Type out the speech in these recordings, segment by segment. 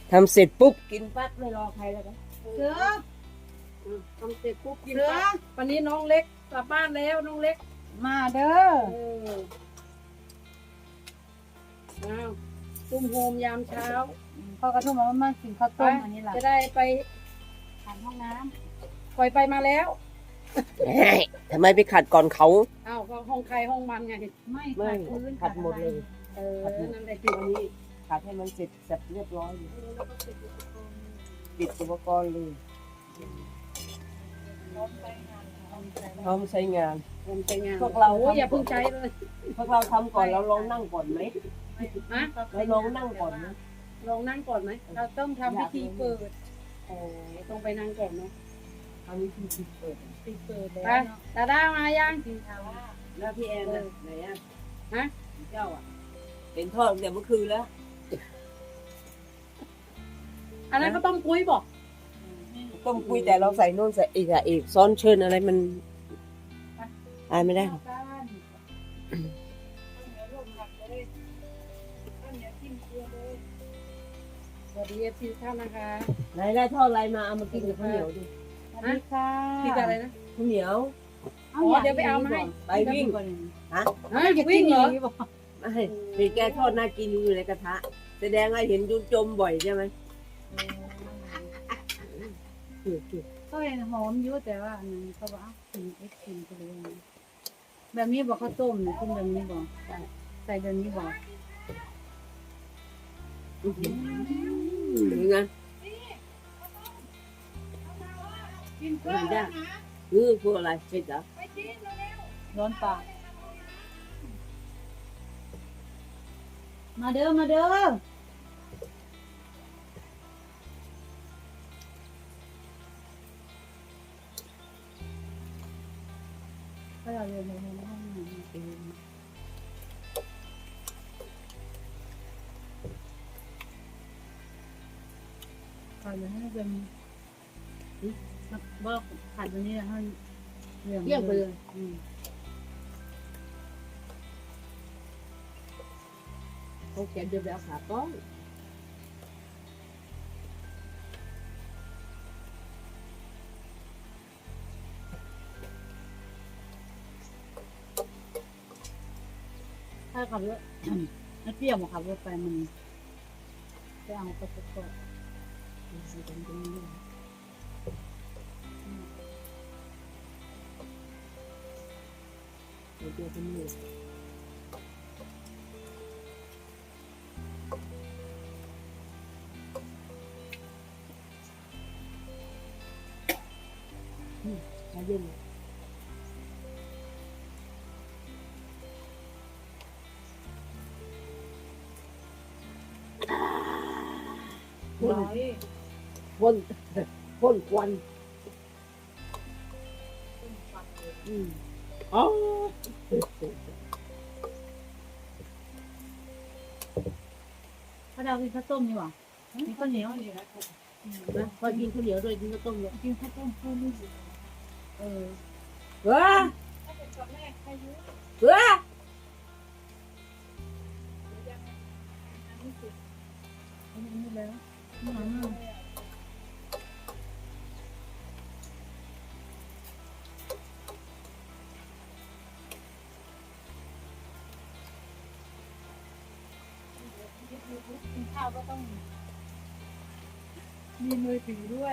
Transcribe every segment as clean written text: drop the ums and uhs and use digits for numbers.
ทำเสร็จปุ๊บกินปั๊บไม่รอใครแล้วกันเสือทำเสร็จปุ๊บกินเสือปั๊บวันนี้น้องเล็กกลับบ้านแล้วน้องเล็กมาเด้ออ้าวตุ้มโฮมยามเช้าพ่อกระทุ่มว่ามากินข้าวต้มอันนี้ล่ะจะได้ไปผ่านห้องน้ปล่อยไปมาแล้วเฮ้ยทำไมไปขัดก่อนเขาอ้าวก็ห้องใครห้องมันไงำไม่ไม่ขัดพื้นขัดหมดเลยนั่นแหละคือวันนี้ขัดให้มันเสร็จเสร็จเรียบร้อยอยู่ปิดอุปกรณ์เลยพร้อมใช้งานผมใช้งานพวกเราโอ้ยอย่าเพิ่งใช้เลยพวกเราทำก่อนเราลองนั่งก่อนไหมฮะเราลองนั่งก่อนนะลองนั่งก่อนไหมเราต้องทำพิธีเปิดโอ้ต้องไปนั่งก่อนเนาะทำวิธีเปิดปิดเปิดไปแล้วเนาะดาด้ามายังกินข้าวแล้วพี่แอนน่ะไหนอ่ะฮะเจ้าอ่ะเป็นทอดตั้งแต่เมื่อคืนแล้วอันนั้นก็ต้องปุ้ยบอกต้มคุยแต่เราใส่โน่นใส่อีกอะอีกซ้อนเชิญอะไรมันอายไม่ได้หรอกสวัสดีเอฟซีท่านนะคะไหนได้ทอดอะไรมาเอามากินกับข้าวเหนียวดิสวัสดีค่ะพี่จะอะไรนะข้าวเหนียวเดี๋ยวไปเอามาให้ไปวิ่งฮะฮะวิ่งเหรอไม่มีแกทอดน่ากินอยู่ในกระทะแสดงว่าเห็นจุจมบ่อยใช่ไหมก็เห็นหอมอยู่แต่ว่าอันนั้นเขาบอกกินเอ็กซ์กินไปเลยแบบนี้บอกข้าวต้มเนี่ยกินแบบนี้บอกใส่แบบนี้บอกนี่ไงกินเพื่อนนะพวกอะไรเผ็ดเหรอร้อนปากมาเด้อมาเด้อถ้าเราเรียนในห้องน้ำขาดแบบนี้เป็นว่าขาดแบบนี้ให้เรียงเยี่ยมไปเลยเขาแกเดือดแล้วขาต้อยถ้าขับรถ ถ้าเปรี้ยวมาขับรถไปมันไปเอาไปประกอบเดี๋ยวเป็นหมูมาเย็นพ่นพ่นพ่นควันอ๋อถ้าเรากินข้าวต้มนี่หว่ามีข้าวเหนียวนะพอกินข้าวเหนียวด้วยกินข้าวต้มด้วยกินข้าวต้มข้าวนี่เออเฮ้ยเฮ้ยอันนี้แล้วกินข้าวก็ต้องมีมือถือด้วย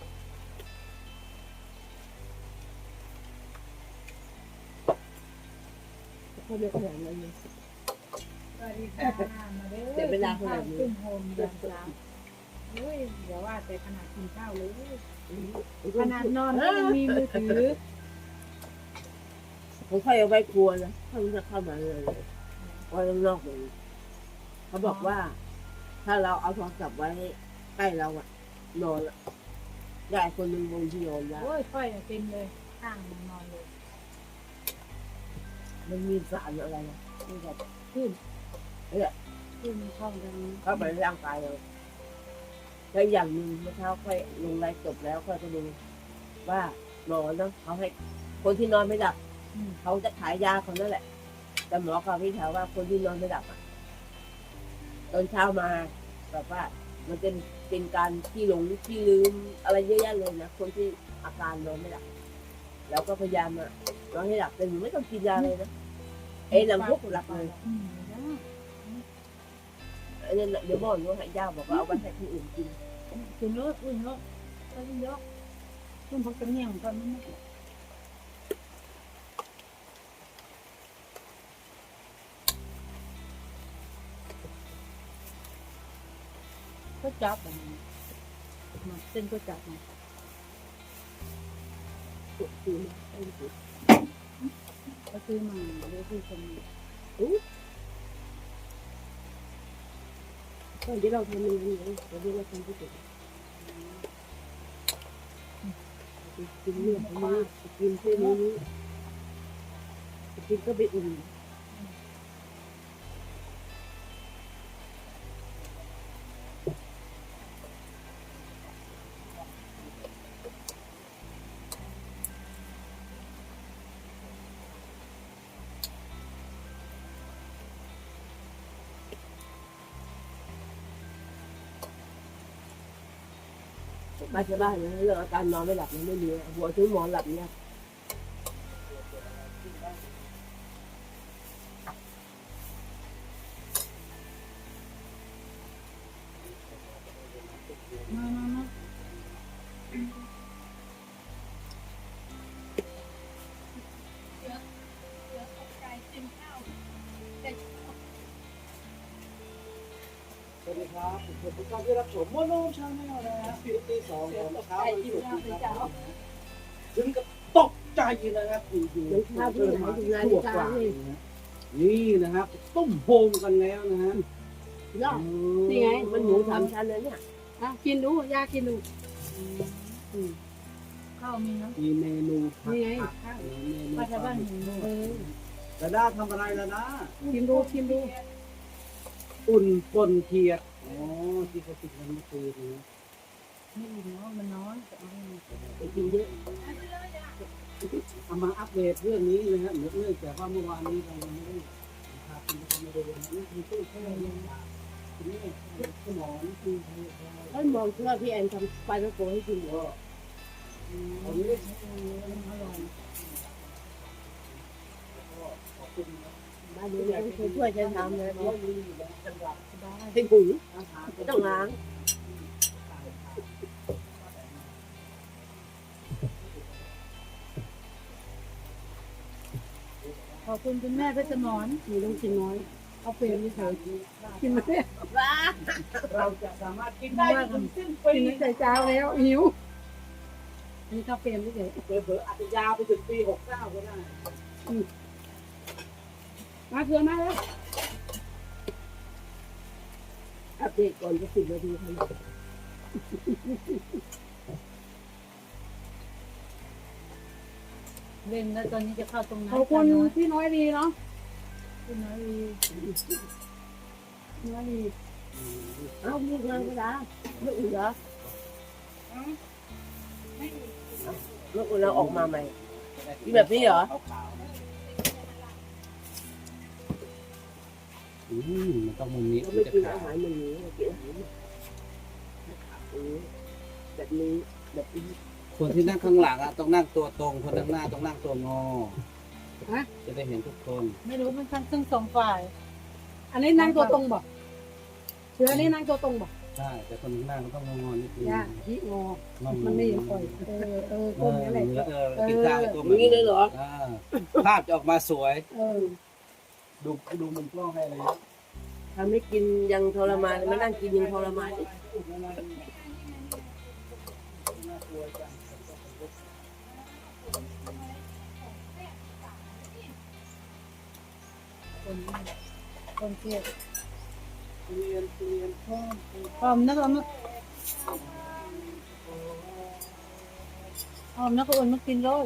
เขาเรียกขนาดนั้นเลยสวัสดีค่ะมาเด้อเดี๋ยวเวลาขนาดนี้ขึ้นโฮมเดือนสามเฮ้ยเดี๋ยวว่าแต่ขนาดกินข้าวเลยขนาดนอนก็ยังมีมือถือผมค่อยเอาไว้ครัวนะถ้ามันจะเข้ามาเลยไว้ข้างนอกเลยเขาบอกว่า ถ้าเราเอาโทรศัพท์ไว้ใกล้เราอะนอนอะได้คนหนึ่งบนที่นอนแล้วโอ้ยค่อยอะเป็นเลยข้างมันนอนเลยมันมีสารอะไรนะที่แบบขึ้นคือมันเข้ากันเข้าไปในร่างกายเราแล้วอย่างหนึ่งเมื่อเช้าค่อยลงไลฟ์จบแล้วค่อยไปดูว่านอนนะเขาให้คนที่นอนไม่หลับเขาจะขายยาเขานั่นแหละ แต่หมอเขาพี่ถามว่าคนที่นอนไม่หลับอะตอนเช้ามาแบบว่ามันจะเป็นการที่หลงที่ลืมอะไรเยอะแยะเลยนะคนที่อาการนอนไม่หลับแล้วก็พยายามอะนอนให้หลับแต่หนูไม่ต้องกินยาเลยนะหลังพวกหลับเลย อันนี้เดี๋ยวบอกว่าให้ย่าบอกว่าเอาไปให้ที่อื่นกินกินเยอะกินเยอะกินเยอะกินพักกระเนียงก่อนนี่ก็จับแบบนี้มาเส้นก็จับมาตุกคือไอ้ตุกก็ซื้อมาเดี๋ยวซื้อคนตอนที่เราทำมันนี้เราเรียกว่าทำที่ตุกกินเนื้อนี้กินเส้นนี้กินก็ไปอุ่นบ้านชาวบ้านนะเรื่องอาการนอนไม่หลับมันไม่มีหัวถึงหมอนหลับเนี่ยมาสวัสดีครับผมทุกท่านที่รับชมโมโนชาแนลนะฮะปีที่2ของเช้าวันศุกร์ถึงกับตกใจนะครับอยู่ๆน้ำชาเพื่อนหายถึงงานที่การนี่นี่นะครับต้มโฮมกันแล้วนะฮะยอดนี่ไงมันหมูสามชั้นเลยเนี่ยอ่ะกินดูยากินดูข้าวมีนะมีเมนูผันี่ไงผักเมนูป้าชาวบ้านเห็นดูระด้าทำอะไรระด้ากินดูกินดูอุ่นปนเทียดอ๋อที่เขาติดกันเมื่อคืนนะไม่อิ่มเนาะมันน้อยแต่เอาให้มันไปกินเยอะเอามาอัปเดตเรื่องนี้นะฮะเนื่องจากว่าเมื่อวานนี้เรายังไม่ได้พาคุณผู้ชมมาดูนะนี่คือตู้แช่เย็นทีนี้สมองคือแล้วมองเชื่อพี่แอนทำปลาตะโกให้กินอยู่ผมไม่ได้ใช้เงินอร่อยบ้านนี้เนี่ยช่วยฉันทำเลยเพราะมีอยู่แล้วจังหวัดเป็นปุ๋ยอาหารไม่ต้องล้างขอบคุณคุณแม่เพชรสมรมีต้องกินน้อยเอาเปรย์ไม่เคยกินไม่ได้ว้าเราจะสามารถกินได้จนสิ้นปีกินตั้งแต่เช้าแล้วหิวนี่ข้าวเปรย์ไม่เคยเผลอๆอาจจะยาวไปถึงปี69ก็ได้มาเพื่อมาแล้วอัปเดตก่อนจะ10 นาทีทำเล่นแล้วตอนนี้จะเข้าตรงนั้นขอบคุณพี่น้อยดีเนาะคุณน้อยวีน้อยดีเอ้าลูกงานก็ได้ลูกอื่นเหรอลูกอื่นเราออกมาใหม่มีแบบนี้เหรอมันต้องมุมนี้เราถึไม่งจะกินขาอาว หารอย่างนี้เรากินอาหารแบบนี้แบบนี้คนที่นั่งข้างหลังอะต้องนั่งตัวตรง คนข้างหน้าต้องนั่งตัวงอจะได้เห็นทุกคนไม่รู้มันทั้งสองฝ่ายอันนี้นั่งตัวตรงบอกเสือนี่นั่งตัวตรงบอกใช่แต่คนข้างหน้าก็ต้องงอนิดนึงย่าที่งอมันไม่ยังปล่อยก้มนี่แหละกินข้าวตัวอย่างนี้เลยเหรอภาพจะออกมาสวย ดูมุมกล้องให้เลยทำให้กินยังทรมานมานั่งกินยังทรมานคนเทียบเรียนหอมนะหอมนะหอมนะก็อ่อนมากินเลย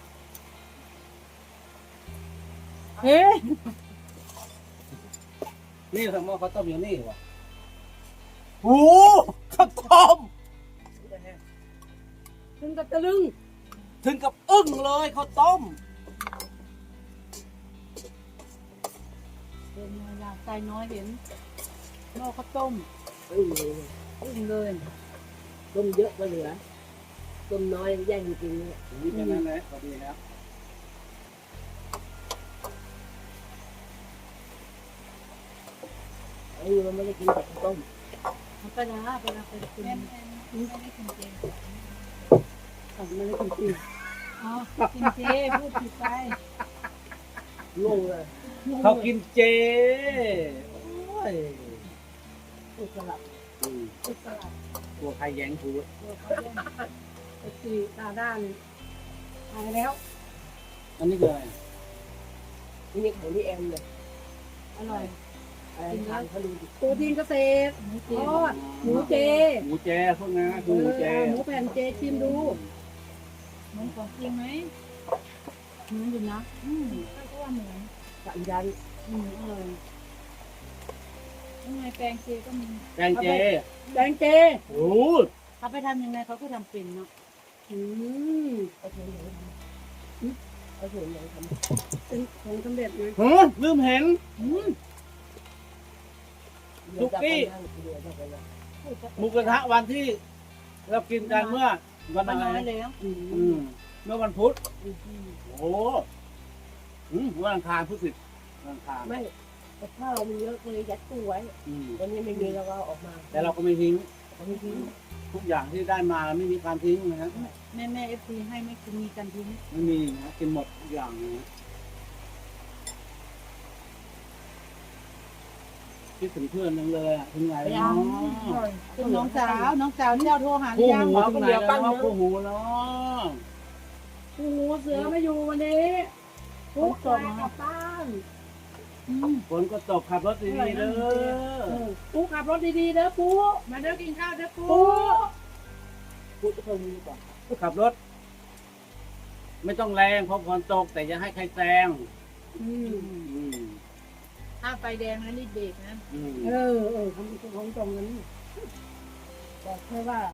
เฮ้ยนี่ทำหม้อข้าวต้มอยู่นี่วะโอ้ข้าวต้มถึงกับตะลึงถึงกับอึ้งเลยข้าวต้มเป็นไงล่ะใจน้อยเห็นหม้อข้าวต้มเอออึ้งเลยต้มเยอะก็เหลือต้มน้อยแย่งกินเนี่ยนี่แค่นั้นแหละพอดีครับไอ้มันไม่ได้กินแต่ต้มมันไปนะไปนะไปกินไม่ได้กินเจเขาไม่ได้กินจริงอ๋อกินเจพูดผิดไปงงเลยเขากินเจโอ้ยพูดสลับพูดสลับตัวใครแย้งพูดตัวเขาเล่นไอ้สีตาด้านหายแล้วอันนี้คืออะไรนี่ของที่แอมเลยอร่อยอะไรทานเขาดูดิโปรตีนเกษตรหมูเจทอดหมูเจหมูเจพวกนั้นคือหมูเจหมูแผ่นเจชิมดูเหมือนของจริงไหมเหมือนอยู่นะถ้าก็ว่าเหมือนสามยันอร่อยยังไงแปลงเจก็มีแกงเจแปลงเจโอ้ยเขาไปทำยังไงเขาก็ทำเป็นเนาะอืมเอาเฉยๆทำเอาเฉยๆทำเป็นของสำเร็จนะฮะลืมเห็น สุกี้ หมูกระทะวันที่เรากินกันเมื่อวันมันอะไรน้อยแล้วเมื่อวันพุธโอ้วันอังคารพุธสิบวันอังคารไม่แต่ข้าวมันเยอะเลยยัดตู้ไว้อืมวันนี้ไม่มีเราก็เอาออกมาแต่เราก็ไม่ทิ้งเอาไม่ทิ้งทุกอย่างที่ได้มาไม่มีการทิ้งนะครับแม่เอฟซีให้ไม่กินมีกันทิ้งไม่มีนะกินหมดทุกอย่างนะคิดถึงเพื่อนนึงเลยอะถึงไหนแล้วเป็นน้องสาวที่เราโทรหาหรืคู่อยังหูถึงไหนแล้วว่าคู่หูเนาะปูเสือไม่อยู่วันนี้ทุกคนกลับบ้านฝนก็ตกขับรถดีๆเด้อปูขับรถดีๆเด้อปูมาเด้อกินข้าวเด้อปูพูดทุกคนดีกว่าขับรถ ไม่ต้องแรงเพราะฝนตกแต่อย่าให้ใครแซงอืมอืมถ้าไฟแดงแล้วรีบเบรกนะอืมเออคำของตรงนั้นบอกแค่ว่า